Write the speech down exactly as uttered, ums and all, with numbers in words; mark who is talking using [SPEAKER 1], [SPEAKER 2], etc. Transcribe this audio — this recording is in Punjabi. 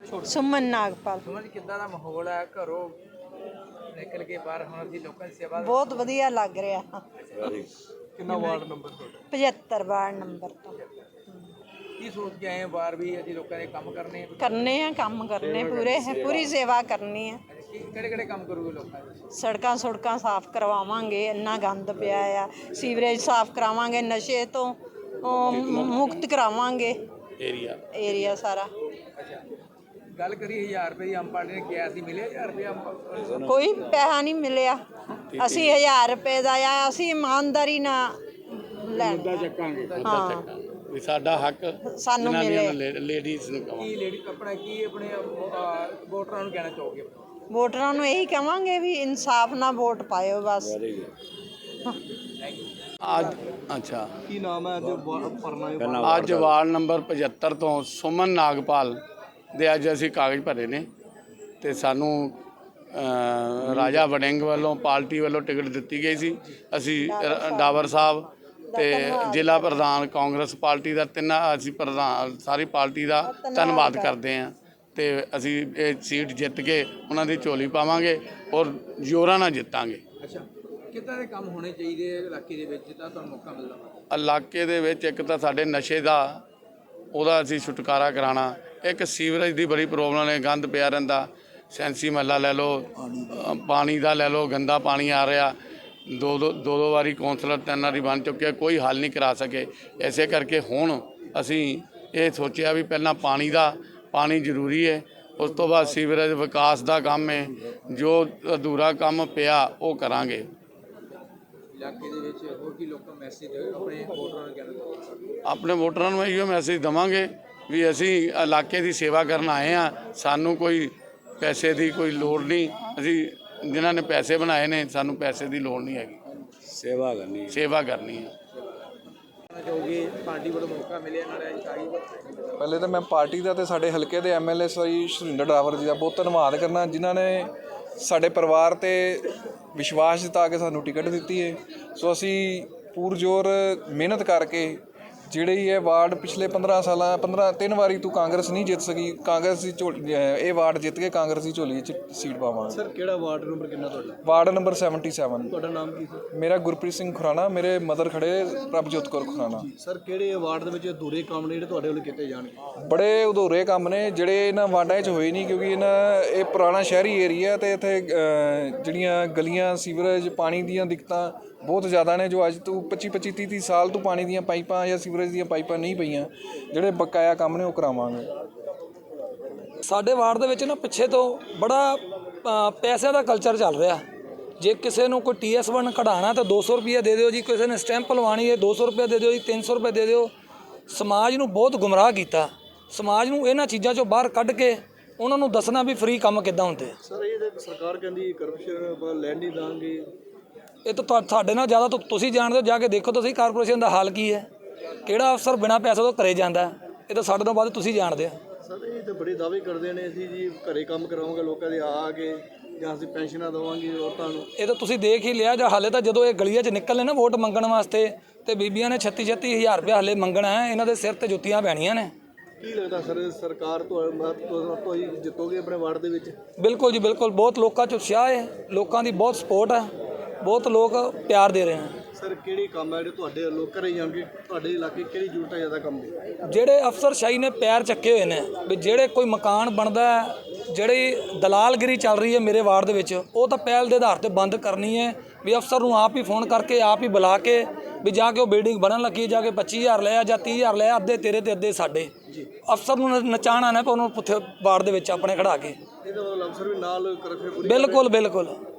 [SPEAKER 1] ਸੁਮਨ ਨਾਗਪਾਲ।
[SPEAKER 2] ਸੁਮਨ ਜੀ ਕਿੱਦਾਂ ਦਾ ਮਾਹੌਲ ਹੈ ਘਰੋਂ ਨਿਕਲ ਕੇ ਬਾਹਰ ਹੁਣ ਅਸੀਂ ਲੋਕਾਂ ਦੀ ਸੇਵਾ
[SPEAKER 1] ਬਹੁਤ ਵਧੀਆ ਲੱਗ ਰਿਹਾ।
[SPEAKER 2] ਕਿੰਨਾ ਵਾਰਡ ਨੰਬਰ ਤੁਹਾਡਾ?
[SPEAKER 1] ਪਝੱਤਰ ਵਾਰਡ ਨੰਬਰ ਤੋਂ।
[SPEAKER 2] ਕੀ ਸੋਚ ਕੇ ਆਏ ਬਾਹਰ ਵੀ ਅਸੀਂ ਲੋਕਾਂ ਦੇ ਕੰਮ ਕਰਨੇ
[SPEAKER 1] ਕਰਨੇ ਆ ਕੰਮ ਕਰਨੇ ਪੂਰੇ ਪੂਰੀ ਸੇਵਾ ਕਰਨੀ ਆ।
[SPEAKER 2] ਕਿਹੜੇ ਕਿਹੜੇ ਕੰਮ ਕਰੂਗੇ ਲੋਕਾਂ ਦੇ?
[SPEAKER 1] ਸੜਕਾਂ ਸੁੜਕਾਂ ਸਾਫ਼ ਕਰਵਾਵਾਂਗੇ, ਇੰਨਾ ਗੰਦ ਪਿਆ ਆ। ਸੀਵਰੇਜ ਸਾਫ਼ ਕਰਾਵਾਂਗੇ, ਨਸ਼ੇ ਤੋਂ ਉਹ ਮੁਕਤ ਕਰਾਵਾਂਗੇ
[SPEAKER 3] ਏਰੀਆ
[SPEAKER 1] ਏਰੀਆ ਸਾਰਾ।
[SPEAKER 2] ਅੱਛਾ ਗੱਲ ਕਰੀ ਹਜ਼ਾਰ ਰੁਪਏ ਦੀ ਆਮ ਪਾਰਟੀ ਨੇ ਕਿਹਾ ਸੀ, ਮਿਲੇ ਹਜ਼ਾਰ ਰੁਪਏ ਆਮ?
[SPEAKER 1] ਕੋਈ ਪੈਸਾ ਨਹੀਂ ਮਿਲਿਆ। ਅਸੀਂ ਹਜ਼ਾਰ ਰੁਪਏ ਦਾ ਆ, ਅਸੀਂ ਇਮਾਨਦਾਰੀ ਨਾਲ ਲੈਣਾ ਹਾਂ
[SPEAKER 3] ਵੀ ਸਾਡਾ ਹੱਕ
[SPEAKER 1] ਸਾਨੂੰ ਮਿਲੇ।
[SPEAKER 3] ਲੇਡੀਜ਼ ਨੂੰ ਕਵਾਂ
[SPEAKER 2] ਕੀ ਲੇਡੀ ਆਪਣਾ ਕੀ ਆਪਣੇ ਵੋਟਰਾਂ ਨੂੰ ਕਹਿਣਾ ਚਾਹੋਗੇ?
[SPEAKER 1] ਵੋਟਰਾਂ ਨੂੰ ਇਹੀ ਕਵਾਂਗੇ ਵੀ ਇਨਸਾਫ ਨਾਲ ਵੋਟ ਪਾਇਓ ਬਸ।
[SPEAKER 3] ਅੱਜ ਅੱਛਾ
[SPEAKER 2] ਕੀ ਨਾਮ ਹੈ ਜੋ ਭਰਨਾ?
[SPEAKER 3] ਅੱਜ ਵਾਰਡ ਨੰਬਰ ਪਝੱਤਰ ਤੋਂ ਸੁਮਨ ਨਾਗਪਾਲ ਦੇ ਅੱਜ ਅਸੀਂ ਕਾਗਜ਼ ਭਰੇ ਨੇ ਤੇ ਸਾਨੂੰ ਰਾਜਾ ਵੜਿੰਗ ਵੱਲੋਂ ਪਾਰਟੀ ਵੱਲੋਂ ਟਿਕਟ ਦਿੱਤੀ ਗਈ ਸੀ। ਅਸੀਂ ਡਾਵਰ ਸਾਹਿਬ ਤੇ ਜ਼ਿਲ੍ਹਾ ਪ੍ਰਧਾਨ ਕਾਂਗਰਸ ਪਾਰਟੀ ਦਾ ਤਿੰਨਾਂ ਅਸੀਂ ਪ੍ਰਧਾਨ ਸਾਰੀ ਪਾਰਟੀ ਦਾ ਧੰਨਵਾਦ ਕਰਦੇ ਹਾਂ ਤੇ ਅਸੀਂ ਇਹ ਸੀਟ ਜਿੱਤ ਕੇ ਉਹਨਾਂ ਦੀ ਝੋਲੀ ਪਾਵਾਂਗੇ ਔਰ ਜ਼ੋਰਾਂ ਨਾਲ ਜਿੱਤਾਂਗੇ।
[SPEAKER 2] ਅੱਛਾ ਕਿੱਦਾਂ ਦੇ ਕੰਮ ਹੋਣੇ ਚਾਹੀਦੇ ਇਲਾਕੇ ਦੇ ਵਿੱਚ ਜਿੱਦਾਂ ਤੁਹਾਨੂੰ ਮੌਕਾ ਮਿਲਦਾ?
[SPEAKER 3] ਇਲਾਕੇ ਦੇ ਵਿੱਚ ਇੱਕ ਤਾਂ ਸਾਡੇ ਨਸ਼ੇ ਦਾ ਉਹਦਾ ਅਸੀਂ ਛੁਟਕਾਰਾ ਕਰਾਉਣਾ, ਇੱਕ ਸੀਵਰੇਜ ਦੀ ਬੜੀ ਪ੍ਰੋਬਲਮ ਹੈ, ਗੰਦ ਪਿਆ ਰਹਿੰਦਾ। ਸੈਂਸੀ ਮਹੱਲਾ ਲੈ ਲਓ, ਪਾਣੀ ਦਾ ਲੈ ਲਓ, ਗੰਦਾ ਪਾਣੀ ਆ ਰਿਹਾ। ਦੋ ਦੋ ਦੋ ਦੋ ਵਾਰੀ ਕੌਂਸਲਰ ਤਿੰਨ ਵਾਰੀ ਬਣ ਚੁੱਕਿਆ, ਕੋਈ ਹੱਲ ਨਹੀਂ ਕਰਾ ਸਕੇ। ਇਸੇ ਕਰਕੇ ਹੁਣ ਅਸੀਂ ਇਹ ਸੋਚਿਆ ਵੀ ਪਹਿਲਾਂ ਪਾਣੀ ਦਾ ਪਾਣੀ ਜ਼ਰੂਰੀ ਹੈ, ਉਸ ਤੋਂ ਬਾਅਦ ਸੀਵਰੇਜ ਵਿਕਾਸ ਦਾ ਕੰਮ ਹੈ। ਜੋ ਅਧੂਰਾ ਕੰਮ ਪਿਆ ਉਹ ਕਰਾਂਗੇ।
[SPEAKER 2] ਇਲਾਕੇ ਦੇ ਵਿੱਚ ਹੋਰ ਕੀ ਲੋਕਾਂ ਨੂੰ ਮੈਸੇਜ ਆਪਣੇ ਵੋਟਰਾਂ ਨੂੰ ਕਹਿਣਾ ਚਾਹੋਗੇ?
[SPEAKER 3] ਆਪਣੇ ਵੋਟਰਾਂ ਨੂੰ ਇਹੋ ਮੈਸੇਜ ਦੇਵਾਂਗੇ ਵੀ ਅਸੀਂ ਇਲਾਕੇ ਦੀ ਸੇਵਾ ਕਰਨ ਆਏ ਹਾਂ, ਸਾਨੂੰ ਕੋਈ ਪੈਸੇ ਦੀ ਕੋਈ ਲੋੜ ਨਹੀਂ। ਅਸੀਂ ਜਿਨ੍ਹਾਂ ਨੇ ਪੈਸੇ ਬਣਾਏ ਨੇ ਸਾਨੂੰ ਪੈਸੇ ਦੀ ਲੋੜ ਨਹੀਂ ਹੈਗੀ,
[SPEAKER 4] ਸੇਵਾ ਕਰਨੀ
[SPEAKER 3] ਸੇਵਾ ਕਰਨੀ ਹੈ।
[SPEAKER 2] ਚਾਹੋਗੇ ਪਾਰਟੀ ਵੱਲੋਂ ਮੌਕਾ ਮਿਲਿਆ ਨਾਲ?
[SPEAKER 5] ਪਹਿਲੇ ਤਾਂ ਮੈਂ ਪਾਰਟੀ ਦਾ ਤੇ ਸਾਡੇ ਹਲਕੇ ਦੇ M L A Shri Surinder Dawar ji ਦਾ ਬਹੁਤ ਧੰਨਵਾਦ ਕਰਨਾ, ਜਿਨ੍ਹਾਂ ਨੇ ਸਾਡੇ ਪਰਿਵਾਰ ਤੇ ਵਿਸ਼ਵਾਸ ਜਤਾ ਕੇ ਸਾਨੂੰ ਟਿਕਟ ਦਿੱਤੀ ਹੈ। ਸੋ ਅਸੀਂ ਪੂਰਜ਼ੋਰ ਮਿਹਨਤ ਕਰਕੇ ਜਿਹੜੇ ਇਹ ਵਾਰਡ ਪਿਛਲੇ ਪੰਦਰਾਂ ਸਾਲਾਂ ਪੰਦਰਾਂ ਤਿੰਨ ਵਾਰੀ ਤੂੰ ਕਾਂਗਰਸ ਨਹੀਂ ਜਿੱਤ ਸਕੀ, ਕਾਂਗਰਸ ਦੀ ਝੋਲੀ ਇਹ ਵਾਰਡ ਜਿੱਤ ਕੇ ਕਾਂਗਰਸ ਦੀ ਝੋਲੀ 'ਚ ਸੀਟ ਪਾਵਾਂਗੇ।
[SPEAKER 2] ਸਰ ਕਿਹੜਾ ਵਾਰਡ ਨੰਬਰ ਕਿੰਨਾ ਤੁਹਾਡਾ?
[SPEAKER 5] Ward number seventy seven.
[SPEAKER 2] ਤੁਹਾਡਾ ਨਾਮ ਕੀ ਸਰ?
[SPEAKER 5] ਮੇਰਾ ਗੁਰਪ੍ਰੀਤ ਸਿੰਘ ਖੁਰਾਣਾ, ਮੇਰੇ ਮਦਰ ਖੜੇ ਪ੍ਰਭਜੋਤ ਕੌਰ ਖੁਰਾਣਾ।
[SPEAKER 2] ਸਰ ਕਿਹੜੇ ਵਾਰਡ ਦੇ ਵਿੱਚ ਅਧੂਰੇ ਕੰਮ ਨੇ ਜਿਹੜੇ ਤੁਹਾਡੇ ਵੱਲੋਂ ਕੀਤੇ ਜਾਣਗੇ?
[SPEAKER 5] ਬੜੇ ਅਧੂਰੇ ਕੰਮ ਨੇ ਜਿਹੜੇ ਇਹਨਾਂ ਵਾਰਡਾਂ 'ਚ ਹੋਏ ਨਹੀਂ, ਕਿਉਂਕਿ ਇਹਨਾਂ ਇਹ ਪੁਰਾਣਾ ਸ਼ਹਿਰੀ ਏਰੀਆ ਤੇ ਇੱਥੇ ਜਿਹੜੀਆਂ ਗਲੀਆਂ ਸੀਵਰੇਜ ਪਾਣੀ ਦੀਆਂ ਦਿੱਕਤਾਂ ਬਹੁਤ ਜ਼ਿਆਦਾ ਨੇ, ਜੋ ਅੱਜ ਤੋਂ ਪੱਚੀ ਪੱਚੀ ਤੀਹ ਤੀਹ ਸਾਲ ਤੋਂ ਪਾਣੀ ਦੀਆਂ ਪਾਈਪਾਂ ਜਾਂ ਸੀਵਰੇਜ ਦੀਆਂ ਪਾਈਪਾਂ ਨਹੀਂ ਪਈਆਂ। ਜਿਹੜੇ ਬਕਾਇਆ ਕੰਮ ਨੇ ਉਹ ਕਰਾਵਾਂਗੇ।
[SPEAKER 6] ਸਾਡੇ ਵਾਰਡ ਦੇ ਵਿੱਚ ਨਾ ਪਿੱਛੇ ਤੋਂ ਬੜਾ ਪੈਸਿਆਂ ਦਾ ਕਲਚਰ ਚੱਲ ਰਿਹਾ। ਜੇ ਕਿਸੇ ਨੂੰ ਕੋਈ ਟੀ ਐਸ ਵਨ ਕਢਾਉਣਾ ਤਾਂ ਦੋ ਸੌ ਰੁਪਈਆ ਦੇ ਦਿਓ ਜੀ, ਕਿਸੇ ਨੇ ਸਟੈਂਪ ਲਵਾਉਣੀ ਹੈ ਦੋ ਸੌ ਰੁਪਏ ਦੇ ਦਿਓ ਜੀ, ਤਿੰਨ ਸੌ ਰੁਪਏ ਦੇ ਦਿਓ। ਸਮਾਜ ਨੂੰ ਬਹੁਤ ਗੁੰਮਰਾਹ ਕੀਤਾ। ਸਮਾਜ ਨੂੰ ਇਹਨਾਂ ਚੀਜ਼ਾਂ 'ਚੋਂ ਬਾਹਰ ਕੱਢ ਕੇ ਉਹਨਾਂ ਨੂੰ ਦੱਸਣਾ ਵੀ ਫ੍ਰੀ ਕੰਮ ਕਿੱਦਾਂ ਹੁੰਦੇ।
[SPEAKER 2] ਸਰ ਇਹ ਸਰਕਾਰ ਕਹਿੰਦੀ ਕਰਪਸ਼ਨ ਲੈਣ ਨਹੀਂ ਦਾਂਗੇ।
[SPEAKER 6] ਇਹ ਤਾਂ ਤੁਹਾਡੇ ਨਾਲ ਜ਼ਿਆਦਾ ਤਾਂ ਤੁਸੀਂ ਜਾਣਦੇ ਹੋ, ਜਾ ਕੇ ਦੇਖੋ ਤੁਸੀਂ ਕਾਰਪੋਰੇਸ਼ਨ ਦਾ ਹਾਲ ਕੀ ਹੈ। ਕਿਹੜਾ ਅਫਸਰ ਬਿਨਾਂ ਪੈਸੇ ਤੋਂ ਘਰੇ ਜਾਂਦਾ? ਇਹ ਤਾਂ ਸਾਡੇ ਤੋਂ ਬਾਅਦ ਤੁਸੀਂ ਜਾਣਦੇ ਆ।
[SPEAKER 2] ਸਰ ਇਹ ਤਾਂ ਬੜੇ ਦਾਅਵੇ ਕਰਦੇ ਨੇ, ਅਸੀਂ ਜੀ ਘਰੇ ਕੰਮ ਕਰਾਵਾਂਗੇ ਲੋਕਾਂ ਦੇ ਆ ਕੇ, ਜਾਂ ਅਸੀਂ ਪੈਨਸ਼ਨਾਂ ਦੇਵਾਂਗੇ ਔਰਤਾਂ ਨੂੰ।
[SPEAKER 6] ਇਹ ਤਾਂ ਤੁਸੀਂ ਦੇਖ ਹੀ ਲਿਆ। ਜਾਂ ਹਾਲੇ ਤਾਂ ਜਦੋਂ ਇਹ ਗਲੀਆਂ 'ਚ ਨਿਕਲਨੇ ਨਾ ਵੋਟ ਮੰਗਣ ਵਾਸਤੇ ਤੇ ਬੀਬੀਆਂ ਨੇ ਛੱਤੀ ਛੱਤੀ ਹਜ਼ਾਰ ਰੁਪਇਆ ਹਾਲੇ ਮੰਗਣਾ ਹੈ। ਇਹਨਾਂ ਦੇ ਸਿਰ ਤੇ ਜੁੱਤੀਆਂ ਪੈਣੀਆਂ ਨੇ।
[SPEAKER 2] ਕੀ ਲੱਗਦਾ ਸਰ ਸਰਕਾਰ ਤੋਂ ਹੀ ਜਿੱਤੋਗੇ ਆਪਣੇ ਵਾਰਡ ਦੇ ਵਿੱਚ?
[SPEAKER 6] ਬਿਲਕੁਲ ਜੀ ਬਿਲਕੁਲ। ਬਹੁਤ ਲੋਕਾਂ 'ਚ ਉਤਸ਼ਾਹ ਹੈ, ਲੋਕਾਂ ਦੀ ਬਹੁਤ ਸਪੋਰਟ ਹੈ, ਬਹੁਤ ਲੋਕ ਪਿਆਰ ਦੇ ਰਹੇ ਹਨ।
[SPEAKER 2] ਸਰ ਕਿਹੜੇ ਕੰਮ ਹੈ ਜਿਹੜੇ ਤੁਹਾਡੇ ਵੱਲੋਂ ਕਰੇ ਜਾਣਗੇ? ਤੁਹਾਡੇ ਇਲਾਕੇ ਕਿਹੜੀ ਜ਼ਰੂਰਤ ਹੈ ਜ਼ਿਆਦਾ ਕੰਮ ਦੀ?
[SPEAKER 6] ਜਿਹੜੇ ਅਫਸਰਸ਼ਾਹੀ ਨੇ ਪੈਰ ਚੱਕੇ ਹੋਏ ਨੇ ਵੀ ਜਿਹੜੇ ਕੋਈ ਮਕਾਨ ਬਣਦਾ, ਜਿਹੜੀ ਦਲਾਲਗਿਰੀ ਚੱਲ ਰਹੀ ਹੈ ਮੇਰੇ ਵਾਰਡ ਦੇ ਵਿੱਚ, ਉਹ ਤਾਂ ਪਹਿਲ ਦੇ ਆਧਾਰ ਤੇ ਬੰਦ ਕਰਨੀ ਹੈ। ਵੀ ਅਫਸਰ ਨੂੰ ਆਪ ਹੀ ਫੋਨ ਕਰਕੇ ਆਪ ਹੀ ਬੁਲਾ ਕੇ ਵੀ ਜਾ ਕੇ ਉਹ ਬਿਲਡਿੰਗ ਬਣਨ ਲੱਗੀ, ਜਾ ਕੇ ਪੱਚੀ ਹਜ਼ਾਰ ਲਿਆ ਜਾਂ ਤੀਹ ਹਜ਼ਾਰ ਲਿਆ, ਅੱਧੇ ਤੇਰੇ ਤੇ ਅੱਧੇ ਸਾਡੇ। ਅਫਸਰ ਨੂੰ ਨਚਾਣਾ ਨਾ ਉਹਨੂੰ ਪੁੱਥੇ ਵਾਰਡ ਦੇ ਵਿੱਚ ਆਪਣੇ ਖੜਾ ਕੇ।
[SPEAKER 2] ਇਹਦਾ ਮਤਲਬ ਅਫਸਰ ਵੀ ਨਾਲ ਕਰਪਸ਼ਨ?
[SPEAKER 6] ਬਿਲਕੁਲ ਬਿਲਕੁਲ।